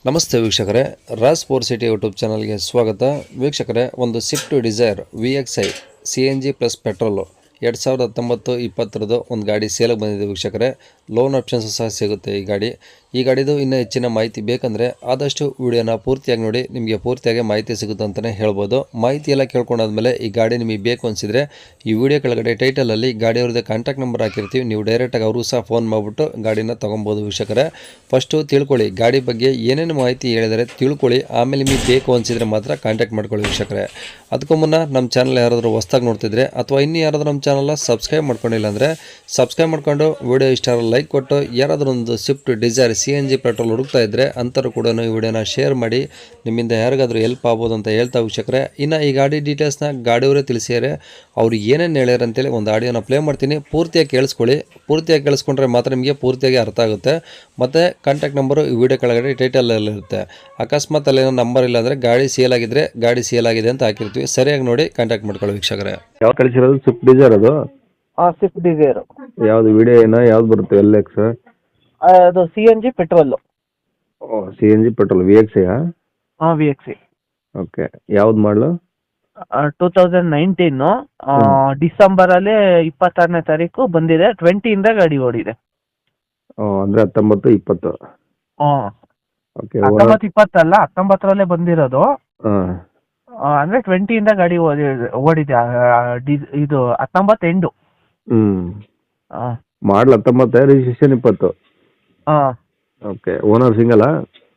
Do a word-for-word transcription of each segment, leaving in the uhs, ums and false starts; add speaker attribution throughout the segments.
Speaker 1: ನಮಸ್ತೆ ವೀಕ್ಷಕರೇ, Raas four city YouTube ಚಾನಲ್ಗೆ ಸ್ವಾಗತ. ವೀಕ್ಷಕರೇ, ಒಂದು Swift Dzire V X I C N G plus petrol ಎರಡು ಸಾವಿರದ ಹತ್ತೊಂಬತ್ತು ಇಪ್ಪತ್ತರದ್ದು ಒಂದು ಗಾಡಿ ಸೇಲಿಗೆ ಬಂದಿದೆ ವೀಕ್ಷಕರೇ. ಲೋನ್ ಆಪ್ಷನ್ಸು ಸಹ ಸಿಗುತ್ತೆ ಈ ಗಾಡಿ. ಈ ಗಾಡಿದು ಇನ್ನೂ ಹೆಚ್ಚಿನ ಮಾಹಿತಿ ಬೇಕಂದರೆ ಆದಷ್ಟು ವಿಡಿಯೋನ ಪೂರ್ತಿಯಾಗಿ ನೋಡಿ, ನಿಮಗೆ ಪೂರ್ತಿಯಾಗಿ ಮಾಹಿತಿ ಸಿಗುತ್ತೆ ಅಂತಲೇ ಹೇಳ್ಬೋದು. ಮಾಹಿತಿ ಎಲ್ಲ ಕೇಳ್ಕೊಂಡಾದ್ಮೇಲೆ ಈ ಗಾಡಿ ನಿಮಗೆ ಬೇಕು ಅನಿಸಿದರೆ ಈ ವಿಡಿಯೋ ಕೆಳಗಡೆ ಟೈಟಲಲ್ಲಿ ಗಾಡಿಯವ್ರದ್ದು ಕಾಂಟ್ಯಾಕ್ಟ್ ನಂಬರ್ ಹಾಕಿರ್ತೀವಿ, ನೀವು ಡೈರೆಕ್ಟಾಗಿ ಅವರು ಸಹ ಫೋನ್ ಮಾಡಿಬಿಟ್ಟು ಗಾಡಿನ ತೊಗೊಬೋದು ವೀಕ್ಷಕರೇ. ಫಸ್ಟು ತಿಳ್ಕೊಳ್ಳಿ ಗಾಡಿ ಬಗ್ಗೆ ಏನೇನು ಮಾಹಿತಿ ಹೇಳಿದರೆ ತಿಳ್ಕೊಳ್ಳಿ, ಆಮೇಲೆ ನಿಮಗೆ ಬೇಕು ಅನಿಸಿದರೆ ಮಾತ್ರ ಕಾಂಟ್ಯಾಕ್ಟ್ ಮಾಡ್ಕೊಳ್ಳಿ ವೀಕ್ಷಕರೇ. ಅದಕ್ಕೂ ಮುನ್ನ ನಮ್ಮ ಚಾನಲ್ ಯಾರಾದರೂ ಹೊಸ್ದಾಗಿ ನೋಡ್ತಿದ್ರೆ ಅಥವಾ ಇನ್ನೂ ಯಾರಾದರೂ ನಮ್ಮ ಚಾನಲ್ನ ಸಬ್ಸ್ಕ್ರೈಬ್ ಮಾಡ್ಕೊಂಡಿಲ್ಲ ಅಂದರೆ ಸಬ್ಸ್ಕ್ರೈಬ್ ಮಾಡ್ಕೊಂಡು ವಿಡಿಯೋ ಇಷ್ಟ ಲೈಕ್ ಕೊಟ್ಟು, ಯಾರಾದರೂ ಒಂದು Swift Dzire C N G petrol ಹುಡುಕ್ತಾ ಇದ್ದರೆ ಅಂಥವ್ರು ಕೂಡ ಈ ವಿಡಿಯೋನ ಶೇರ್ ಮಾಡಿ, ನಿಮ್ಮಿಂದ ಯಾರಿಗಾದರೂ ಹೆಲ್ಪ್ ಆಗ್ಬೋದು ಅಂತ ಹೇಳ್ತಾ ವೀಕ್ಷಕರೇ. ಇನ್ನು ಈ ಗಾಡಿ ಡೀಟೇಲ್ಸ್ನ ಗಾಡಿಯವರೇ ತಿಳಿಸಿದರೆ ಅವ್ರು ಏನೇನು ಹೇಳ್ಯಾರ ಅಂತೇಳಿ ಒಂದು ಆಡಿಯೋನ ಪ್ಲೇ ಮಾಡ್ತೀನಿ, ಪೂರ್ತಿಯಾಗಿ ಕೇಳಿಸ್ಕೊಳ್ಳಿ. ಪೂರ್ತಿಯಾಗಿ ಕೇಳಿಸ್ಕೊಂಡ್ರೆ ಮಾತ್ರ ನಿಮಗೆ ಪೂರ್ತಿಯಾಗಿ ಅರ್ಥ ಆಗುತ್ತೆ. ಮತ್ತು ಕಾಂಟ್ಯಾಕ್ಟ್ ನಂಬರು ಈ ವಿಡಿಯೋ ಕೆಳಗಡೆ ಟೈಟಲಲ್ಲಿರುತ್ತೆ. ಅಕಸ್ಮಾತ್ ಅಲ್ಲೇನೋ ನಂಬರ್ ಇಲ್ಲ ಅಂದರೆ ಗಾಡಿ ಸೇಲ್ ಆಗಿದ್ರೆ ಗಾಡಿ ಸೇಲ್ ಆಗಿದೆ ಅಂತ ಹಾಕಿರ್ತೀವಿ, ಸರಿಯಾಗಿ ನೋಡಿ ಕಾಂಟ್ಯಾಕ್ಟ್ ಮಾಡ್ಕೊಳ್ಳಿ ವೀಕ್ಷಕರೇ.
Speaker 2: ಯಾವ ಕಳಿಸಿರೋದು ಸ್ವಿಫ್ಟ್ ಡಿಸೈರ್ ಅದು?
Speaker 3: ಹಾಂ ಸ್ವಿಫ್ಟ್ ಡಿಸೈರು.
Speaker 2: ಯಾವುದು ವಿಡಿಯೋ ಏನೋ ಯಾವ್ದು ಬರುತ್ತೆ? ಎಲ್ ಎಕ್ಸ್
Speaker 3: ಅದು ಸಿ ಎನ್ ಜಿ ಪೆಟ್ರೋಲು.
Speaker 2: ಓ C N G petrol V X ಐಯಾ?
Speaker 3: ಹಾಂ ವಿ ಎಕ್ಸ್ ಐ.
Speaker 2: ಓಕೆ, ಯಾವ್ದು ಮಾಡಲು?
Speaker 3: ಟೂ ತೌಸಂಡ್ ನೈನ್ಟೀನು ಡಿಸೆಂಬರಲ್ಲಿ ಇಪ್ಪತ್ತಾರನೇ ತಾರೀಕು ಬಂದಿದೆ. ಟ್ವೆಂಟಿಯಿಂದ ಗಾಡಿ ಓಡಿದೆ.
Speaker 2: ಓ ಅಂದರೆ ಹತ್ತೊಂಬತ್ತು ಇಪ್ಪತ್ತು.
Speaker 3: ಹಾಂ
Speaker 2: ಓಕೆ,
Speaker 3: ಹತ್ತೊಂಬತ್ತು ಇಪ್ಪತ್ತಲ್ಲ, ಹತ್ತೊಂಬತ್ತರಲ್ಲೇ ಬಂದಿರೋದು.
Speaker 2: ಹಾಂ
Speaker 3: ಅಂದರೆ ಟ್ವೆಂಟಿಯಿಂದ ಗಾಡಿ ಓದಿ ಓಡಿದೆ. ಆ, ಡಿ- ಇದು ಹತ್ತೊಂಬತ್ತು ಎಂಡು.
Speaker 2: ಹ್ಞೂ
Speaker 3: ಹಾಂ
Speaker 2: ಮಾಡಲ್ ಹತ್ತೊಂಬತ್ತು, ರಿಜಿಸ್ಟ್ರೇಷನ್ ಇಪ್ಪತ್ತು.
Speaker 3: ಹಾಂ
Speaker 2: ಓಕೆ, ಓನರ್ ಸಿಂಗಲಾ?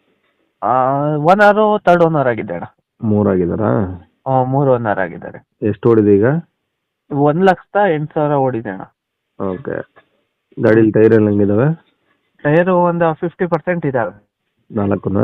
Speaker 3: ಓನರು ತರ್ಡ್ ಓನರ್ ಆಗಿದ್ದೆ ಅಣ್ಣ.
Speaker 2: ಮೂರಾಗಿದ್ದಾರಾ?
Speaker 3: ಹಾಂ ಮೂರು ಓನರ್ ಆಗಿದ್ದಾರೆ.
Speaker 2: ಎಷ್ಟು ಓಡಿದೆ ಈಗ?
Speaker 3: ಒಂದು ಲಕ್ಷದ ಎಂಟು ಸಾವಿರ ಓಡಿದೆ ಅಣ್ಣ.
Speaker 2: ಓಕೆ, ಗಾಡೀಲಿ ಟೈರ್ ಎಲ್ಲ ಹೆಂಗಿದಾವೆ?
Speaker 3: ಟೈರು ಒಂದು ಫಿಫ್ಟಿ ಪರ್ಸೆಂಟ್ ಇದ್ದಾವೆ.
Speaker 2: ನಾಲ್ಕುನಾ?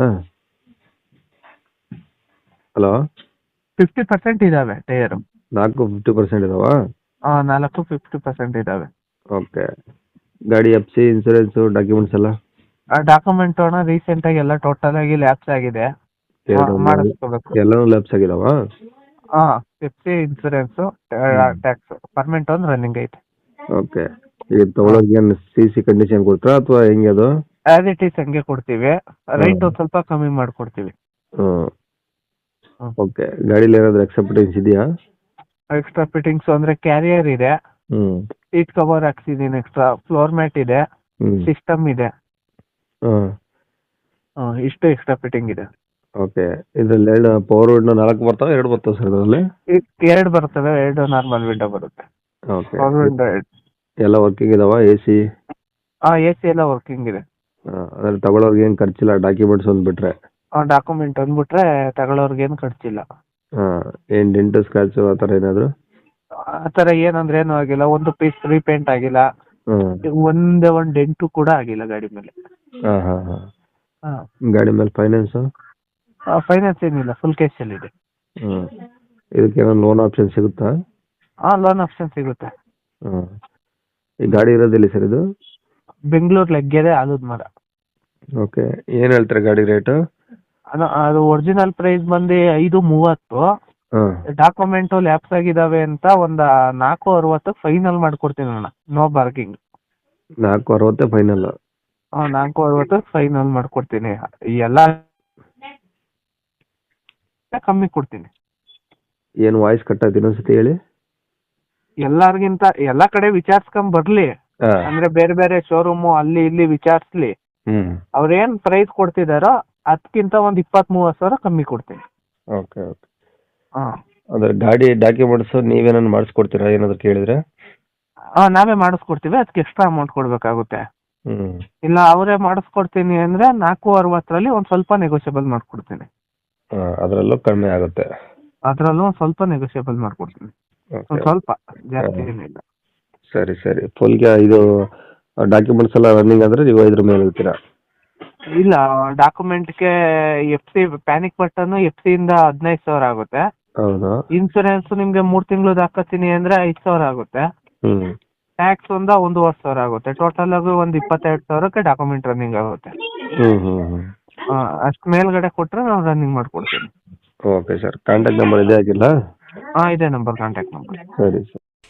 Speaker 2: ಹಲೋ,
Speaker 3: ಫಿಫ್ಟಿ ಪರ್ಸೆಂಟ್ ಇದ್ದಾವೆ ಟೈರು.
Speaker 2: ನಾಲ್ಕು ಫಿಫ್ಟಿ ಪರ್ಸೆಂಟ್ ಇದಾವಾ?
Speaker 3: ಹಾಂ ನಾಲ್ಕು ಫಿಫ್ಟಿ ಪರ್ಸೆಂಟ್ ಇದ್ದಾವೆ.
Speaker 2: ಓಕೆ, ಗಾಡಿ ಎಫ್ ಸಿ ಇನ್ಸೂರೆನ್ಸು ಡಾಕ್ಯುಮೆಂಟ್ಸ್ ಎಲ್ಲ?
Speaker 3: ಆ ಡಾಕ್ಯುಮೆಂಟ್ ಅಣ್ಣ ರೀಸೆಂಟಾಗಿ ಎಲ್ಲ ಟೋಟಲ್ ಆಗಿ ಲ್ಯಾಪ್ಸ್ ಆಗಿದೆ.
Speaker 2: ಎರಡು
Speaker 3: ಮಾಡಿಸ್ಕೋಬೇಕು.
Speaker 2: ಎಲ್ಲನೂ ಲ್ಯಾಪ್ಸ್ ಆಗಿದಾವ?
Speaker 3: ಹಾಂ ಫಿಫ್ಟಿ ಇನ್ಸೂರೆನ್ಸು ಟ್ಯಾಕ್ಸ್ ಪರ್ಮೆಂಟ್ ಒಂದು ರನ್ನಿಂಗ್ ಐತೆ.
Speaker 2: ಓಕೆ, ಈಗ ತಗೊಳೋಕೆ ಏನು ಸಿ ಸಿ ಕಂಡೀಷನ್ ಕೊಡ್ತೀರಾ ಅಥವಾ ಹೆಂಗೆ ಅದು?
Speaker 3: ಆಸ್ ಇಟ್ ಈಸ್ ಹಂಗೆ ಕೊಡ್ತೀವಿ, ರೈಟ್ ಒಂದು ಸ್ವಲ್ಪ ಕಮ್ಮಿ ಮಾಡಿಕೊಡ್ತೀವಿ.
Speaker 2: ಹ್ಞೂ
Speaker 3: ಹ್ಮ್.
Speaker 2: ಓಕೆ, ಗಾಡೀಲಿ ಏನಾದರೂ ಎಕ್ಸೆಪ್ಟೆನ್ಸ್ ಇದೆಯಾ?
Speaker 3: ಎಕ್ಸ್ಟ್ರಾ ಫಿಟ್ಟಿಂಗ್ಸ್ ಅಂದರೆ ಕ್ಯಾರಿಯರ್ ಇದೆ,
Speaker 2: ಹ್ಞೂ
Speaker 3: ಸೀಟ್ ಕವರ್ ಹಾಕ್ಸಿದ್ದೀನಿ, ಎಕ್ಸ್ಟ್ರಾ ಫ್ಲೋರ್ ಮ್ಯಾಟ್ ಇದೆ,
Speaker 2: ಹ್ಞೂ
Speaker 3: ಸಿಸ್ಟಮ್ ಇದೆ.
Speaker 2: ಹಾಂ
Speaker 3: ಹಾಂ ಇಷ್ಟು ಎಕ್ಸ್ಟ್ರಾ ಫಿಟ್ಟಿಂಗ್ ಇದೆ.
Speaker 2: ಓಕೆ, ಇದರಲ್ಲಿ ಎರಡು ಪವರ್ ವಿಂಡೋ ನಾಲ್ಕು ಬರ್ತಾವೆ, ಎರಡು ಬರ್ತಾವೆ ಸರ್ ಇದರಲ್ಲಿ?
Speaker 3: ಎರಡು ಬರ್ತವೆ, ಎರಡು ನಾರ್ಮಲ್ ವಿಂಡೋ ಬರುತ್ತೆ.
Speaker 2: ಓಕೆ,
Speaker 3: ಪವರ್ ವಿಂಡೋ ಎರಡು.
Speaker 2: ಎಲ್ಲ ವರ್ಕಿಂಗ್ ಇದಾವ? A C?
Speaker 3: ಹಾಂ ಎ ಸಿ ಎಲ್ಲ ವರ್ಕಿಂಗ್ ಇದೆ.
Speaker 2: ಹಾಂ, ಅದ್ರಲ್ಲಿ ತಗೊಳ್ಳೋರ್ಗೆ ಏನು ಖರ್ಚಿಲ್ಲ, ಡಾಕ್ಯುಮೆಂಟ್ಸ್ ಒಂದು ಬಿಟ್ಟರೆ?
Speaker 3: ಡಾಕ್ಯುಮೆಂಟ್ ಅಂದ್ಬಿಟ್ರೆ ತಗೊಳ್ಳೋರ್ಗೇನು ಖರ್ಚಿಲ್ಲ.
Speaker 2: ಹಾಂ, ಏನು ಡೆಂಟು ಸ್ಕ್ರಾಚು ಆ ಥರ ಏನಾದರೂ?
Speaker 3: ಆ ಥರ ಏನಂದ್ರೆ ಏನೂ ಆಗಿಲ್ಲ. ಒಂದು ಪೀಸ್ ರೀಪೇಂಟ್ ಆಗಿಲ್ಲ,
Speaker 2: ಹಾಂ
Speaker 3: ಒಂದೇ ಒಂದು ಡೆಂಟು ಕೂಡ ಆಗಿಲ್ಲ ಗಾಡಿ ಮೇಲೆ.
Speaker 2: ಹಾಂ ಹಾಂ ಹಾಂ
Speaker 3: ಹಾಂ
Speaker 2: ಗಾಡಿ ಮೇಲೆ ಫೈನಾನ್ಸು?
Speaker 3: ಫೈನಾನ್ಸ್ ಏನಿಲ್ಲ, ಫುಲ್ ಕ್ಯಾಶಲ್ಲಿದೆ.
Speaker 2: ಹ್ಞೂ ಇದಕ್ಕೆ ಏನೋ ಲೋನ್ ಆಪ್ಷನ್ ಸಿಗುತ್ತಾ?
Speaker 3: ಹಾಂ ಲೋನ್ ಆಪ್ಷನ್ ಸಿಗುತ್ತೆ.
Speaker 2: ಹ್ಞೂ ಈ ಗಾಡಿ ಇರೋದಿಲ್ಲ ಸರ್ ಇದು?
Speaker 3: ಬೆಂಗಳೂರು ಲಗ್ಗೆರೆ ಆಲೂದ್ ಮರ.
Speaker 2: ಓಕೆ, ಏನು ಹೇಳ್ತಾರೆ ಗಾಡಿ ರೇಟು?
Speaker 3: ಅದು ಅದು ಒರಿಜಿನಲ್ ಪ್ರೈಸ್ ಬಂದು ಐದು ಮೂವತ್ತು.
Speaker 2: ಹಾಂ
Speaker 3: ಡಾಕ್ಯುಮೆಂಟು ಲ್ಯಾಪ್ಸ್ ಆಗಿದ್ದಾವೆ ಅಂತ ಒಂದು ನಾಲ್ಕು ಅರವತ್ತಕ್ಕೆ ಫೈನಲ್ ಮಾಡ್ಕೊಡ್ತೀನಿ ಅಣ್ಣ, ನೋ ಬಾರ್ಗಿಂಗ್.
Speaker 2: ನಾಲ್ಕು ಅರವತ್ತೇ ಫೈನಲ್?
Speaker 3: ಹಾಂ ನಾಲ್ಕು ಅರವತ್ತಕ್ಕೆ ಫೈನಲ್ ಮಾಡ್ಕೊಡ್ತೀನಿ. ಎಲ್ಲ ಕಮ್ಮಿ ಕೊಡ್ತೀನಿ.
Speaker 2: ಏನು ವಾಯ್ಸ್ ಕಟ್ ಆಯ್ತು, ಇನ್ನೊಂದ್ಸತಿ ಹೇಳಿ.
Speaker 3: ಎಲ್ಲಾರ್ಗಿಂತ ಎಲ್ಲ ಕಡೆ ವಿಚಾರಿಸ್ಕೊಂಡ್ ಬರ್ಲಿ,
Speaker 2: ಹಾಂ
Speaker 3: ಅಂದ್ರೆ ಬೇರೆ ಬೇರೆ ಶೋರೂಮು ಅಲ್ಲಿ ಇಲ್ಲಿ ವಿಚಾರಿಸ್ಲಿ.
Speaker 2: ಹ್ಞೂ
Speaker 3: ಅವ್ರೇನ್ ಪ್ರೈಸ್ ಕೊಡ್ತಿದಾರೋ ಅದಕ್ಕಿಂತ ಒಂದು ಇಪ್ಪತ್ತ್ ಮೂವತ್ತು ಸಾವಿರ ಕಮ್ಮಿ ಕೊಡ್ತೀನಿ.
Speaker 2: ಓಕೆ ಓಕೆ,
Speaker 3: ಹಾಂ
Speaker 2: ಅಂದ್ರೆ ಗಾಡಿ ಡಾಕ್ಯುಮೆಂಟ್ಸು ನೀವೇನಾದ್ರು ಮಾಡಿಸ್ಕೊಡ್ತೀರಾ ಏನಾದ್ರು ಕೇಳಿದ್ರೆ?
Speaker 3: ಹಾಂ ನಾವೇ ಮಾಡಿಸ್ಕೊಡ್ತೀವಿ, ಅದಕ್ಕೆ ಎಕ್ಸ್ಟ್ರಾ ಅಮೌಂಟ್ ಕೊಡಬೇಕಾಗುತ್ತೆ.
Speaker 2: ಹ್ಞೂ
Speaker 3: ಇಲ್ಲ ಅವರೇ ಮಾಡಿಸ್ಕೊಡ್ತೀನಿ ಅಂದರೆ ನಾಲ್ಕು ಅರವತ್ತರಲ್ಲಿ ಒಂದು ಸ್ವಲ್ಪ ನೆಗೋಷಿಯಬಲ್ ಮಾಡಿಕೊಡ್ತೀನಿ.
Speaker 2: ಹಾಂ ಅದರಲ್ಲೂ ಕಡಿಮೆ ಆಗುತ್ತೆ?
Speaker 3: ಅದರಲ್ಲೂ ಒಂದು ಸ್ವಲ್ಪ ನೆಗೋಷಿಯಬಲ್ ಮಾಡಿಕೊಡ್ತೀನಿ, ಒಂದು
Speaker 2: ಓಕೆ,
Speaker 3: ಸ್ವಲ್ಪ, ಜಾಸ್ತಿ ಏನಿಲ್ಲ.
Speaker 2: ಸರಿ ಸರಿ. ಫುಲ್ಗೆ ಇದು ಡಾಕ್ಯುಮೆಂಟ್ಸ್ ಎಲ್ಲ ರನ್ನಿಂಗ್ ಅಂದರೆ ನೀವು ಐದರ ಮೇಲೆ ಇರ್ತೀರಾ?
Speaker 3: ಇಲ್ಲ ಡಾಕ್ಯುಮೆಂಟ್ಗೆ F C panic button F ಸಿಯಿಂದ ಹದಿನೈದು ಸಾವಿರ ಆಗುತ್ತೆ.
Speaker 2: ಹೌದಾ?
Speaker 3: ಇನ್ಸೂರೆನ್ಸ್ ನಿಮಗೆ ಮೂರು ತಿಂಗಳದ್ದು ಹಾಕತ್ತೀನಿ ಅಂದರೆ ಐದು ಸಾವಿರ ಆಗುತ್ತೆ.
Speaker 2: ಹ್ಞೂ
Speaker 3: ಟ್ಯಾಕ್ಸ್ ಒಂದು ಒಂದೂವರೆ ಸಾವಿರ ಆಗುತ್ತೆ. ಟೋಟಲ್ ಆಗಿ ಒಂದು ಇಪ್ಪತ್ತೆರಡು ಸಾವಿರಕ್ಕೆ ಡಾಕ್ಯುಮೆಂಟ್ ರನ್ನಿಂಗ್ ಆಗುತ್ತೆ.
Speaker 2: ಹ್ಞೂ ಹ್ಞೂ ಹ್ಞೂ
Speaker 3: ಅಷ್ಟು ಮೇಲ್ಗಡೆ ಕೊಟ್ಟರೆ ನಾವು ರನ್ನಿಂಗ್ ಮಾಡಿಕೊಡ್ತೀನಿ.
Speaker 2: ಓಕೆ ಸರ್, ಕಾಂಟ್ಯಾಕ್ಟ್ ನಂಬರ್ ಇದೇ ಆಗಿಲ್ಲ?
Speaker 3: ಹಾಂ ಇದೇ ನಂಬರ್ ಕಾಂಟ್ಯಾಕ್ಟ್ ನಂಬರ್.
Speaker 2: ಸರಿ ಸರ್.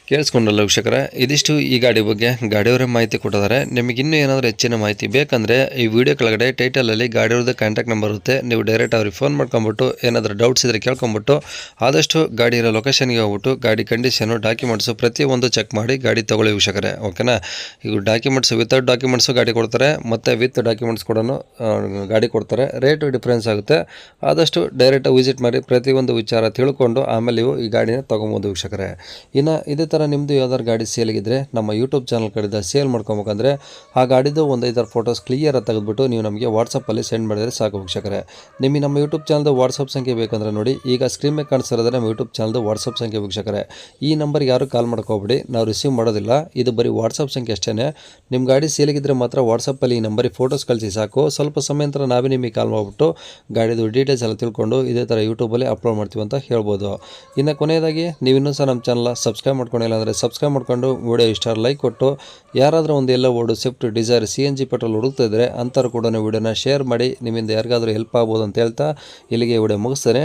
Speaker 1: ಕೇಳಿಸ್ಕೊಂಡಲ್ಲ ವೀಕ್ಷಕರೇ, ಇದಿಷ್ಟು ಈ ಗಾಡಿ ಬಗ್ಗೆ ಗಾಡಿಯವರೇ ಮಾಹಿತಿ ಕೊಟ್ಟಿದ್ದಾರೆ. ನಿಮಗೆ ಇನ್ನೂ ಏನಾದರೂ ಹೆಚ್ಚಿನ ಮಾಹಿತಿ ಬೇಕಂದರೆ ಈ ವಿಡಿಯೋ ಕೆಳಗಡೆ ಟೈಟಲಲ್ಲಿ ಗಾಡಿಯವ್ರದ್ದು ಕಾಂಟ್ಯಾಕ್ಟ್ ನಂಬರ್ ಇರುತ್ತೆ. ನೀವು ಡೈರೆಕ್ಟ್ ಅವ್ರಿಗೆ ಫೋನ್ ಮಾಡ್ಕೊಂಬಿಟ್ಟು ಏನಾದರೂ ಡೌಟ್ಸ್ ಇದ್ದರೆ ಕೇಳ್ಕೊಂಬಿಟ್ಟು ಆದಷ್ಟು ಗಾಡಿ ಇರೋ ಲೊಕೇಶನ್ಗೆ ಹೋಗ್ಬಿಟ್ಟು ಗಾಡಿ ಕಂಡೀಷನು ಡಾಕ್ಯುಮೆಂಟ್ಸು ಪ್ರತಿಯೊಂದು ಚೆಕ್ ಮಾಡಿ ಗಾಡಿ ತೊಗೊಳ್ಳಿ ವೀಕ್ಷಕರೇ, ಓಕೆನಾ. ಈಗ ಡಾಕ್ಯುಮೆಂಟ್ಸ್ ವಿತೌಟ್ ಡಾಕ್ಯುಮೆಂಟ್ಸು ಗಾಡಿ ಕೊಡ್ತಾರೆ, ಮತ್ತು ವಿತ್ ಡಾಕ್ಯುಮೆಂಟ್ಸ್ ಕೂಡ ಗಾಡಿ ಕೊಡ್ತಾರೆ. ರೇಟು ಡಿಫ್ರೆನ್ಸ್ ಆಗುತ್ತೆ. ಆದಷ್ಟು ಡೈರೆಕ್ಟ್ ವಿಸಿಟ್ ಮಾಡಿ ಪ್ರತಿಯೊಂದು ವಿಚಾರ ತಿಳ್ಕೊಂಡು ಆಮೇಲೆ ನೀವು ಈ ಗಾಡಿನ ತೊಗೊಬೋದು ವೀಕ್ಷಕರೇ. ಇನ್ನು ಇದೇ ಥರ ನಿಮ್ಮದು ಯಾವ್ದಾದ್ರು ಗಾಡಿ ಸೇಲಿಗಿದ್ರೆ ನಮ್ಮ ಯೂಟ್ಯೂಬ್ ಚಾನಲ್ ಕಡೆಯಿಂದ ಸೇಲ್ ಮಾಡ್ಕೊಬೇಕಂದ್ರೆ ಆ ಗಾಡಿದು ಒಂದು ಐದಾರು ಫೋಟೋಸ್ ಕ್ಲಿಯರ್ ತೆಗೆದುಬಿಟ್ಟು ನೀವು ನಮಗೆ ವಾಟ್ಸಪ್ಪಲ್ಲಿ ಸೆಂಡ್ ಮಾಡಿದರೆ ಸಾಕು ವೀಕ್ಷಕರೇ. ನಿಮಗೆ ನಮ್ಮ ಯೂಟ್ಯೂಬ್ ಚಾನಲ್ದು ವಾಟ್ಸಪ್ ಸಂಖ್ಯೆ ಬೇಕಂದ್ರೆ ನೋಡಿ, ಈಗ ಸ್ಕ್ರೀನ್ ಮೇಲೆ ಕಾಣಿಸ್ತಿರೋದ್ರೆ ನಮ್ಮ ಯೂಟ್ಯೂಬ್ ಚಾನಲ್ದು ವಾಟ್ಸಪ್ ಸಂಖ್ಯೆ ವೀಕ್ಷಕರೇ. ಈ ನಂಬರ್ಗೆ ಯಾರು ಕಾಲ್ ಮಾಡ್ಕೋಬೇಡಿ, ನಾವು ರಿಸೀವ್ ಮಾಡೋದಿಲ್ಲ. ಇದು ಬರೀ ವಾಟ್ಸಪ್ ಸಂಖ್ಯೆ ಅಷ್ಟೇ. ನಿಮ್ಮ ಗಾಡಿ ಸೇಲಿಗಿದ್ರೆ ಮಾತ್ರ ವಾಟ್ಸಪ್ಪಲ್ಲಿ ಈ ನಂಬರಿಗೆ ಫೋಟೋಸ್ ಕಳಿಸಿ ಸಾಕು. ಸ್ವಲ್ಪ ಸಮಯ ನಂತರ ನಾವೇ ನಿಮಗೆ ಕಾಲ್ ಮಾಡಿಬಿಟ್ಟು ಗಾಡಿದು ಡೀಟೇಲ್ಸ್ ಎಲ್ಲ ತಿಳ್ಕೊಂಡು ಇದೇ ಥರ ಯೂಟ್ಯೂಬಲ್ಲಿ ಅಪ್ಲೋಡ್ ಮಾಡ್ತೀವಿ ಅಂತ ಹೇಳ್ಬೋದು. ಇನ್ನು ಕೊನೆಯದಾಗಿ ನೀವು ಇನ್ನೂ ಸಹ ನಮ್ಮ ಚಾನಲ್ ಸಬ್ಸ್ಕ್ರೈಬ್ ಮಾಡ್ಕೊಂಡಿಲ್ಲ ಅಂದರೆ ಸಬ್ಸ್ಕ್ರೈಬ್ ಮಾಡ್ಕೊಂಡು ವಿಡಿಯೋ ಇಷ್ಟ ಲೈಕ್ ಕೊಟ್ಟು, ಯಾರಾದರೂ ಒಂದು ಎಲ್ಲ ಓಡು Swift Dzire C N G petrol ಹುಡುಕ್ತಾ ಇದ್ದರೆ ಅಂಥವ್ರು ಕೂಡ ವಿಡಿಯೋನ ಶೇರ್ ಮಾಡಿ, ನಿಮ್ಮಿಂದ ಯಾರಿಗಾದರೂ ಹೆಲ್ಪ್ ಆಗ್ಬೋದು ಅಂತ ಹೇಳ್ತಾ ಇಲ್ಲಿಗೆ ವಿಡಿಯೋ ಮುಗಿಸ್ತಾರೆ.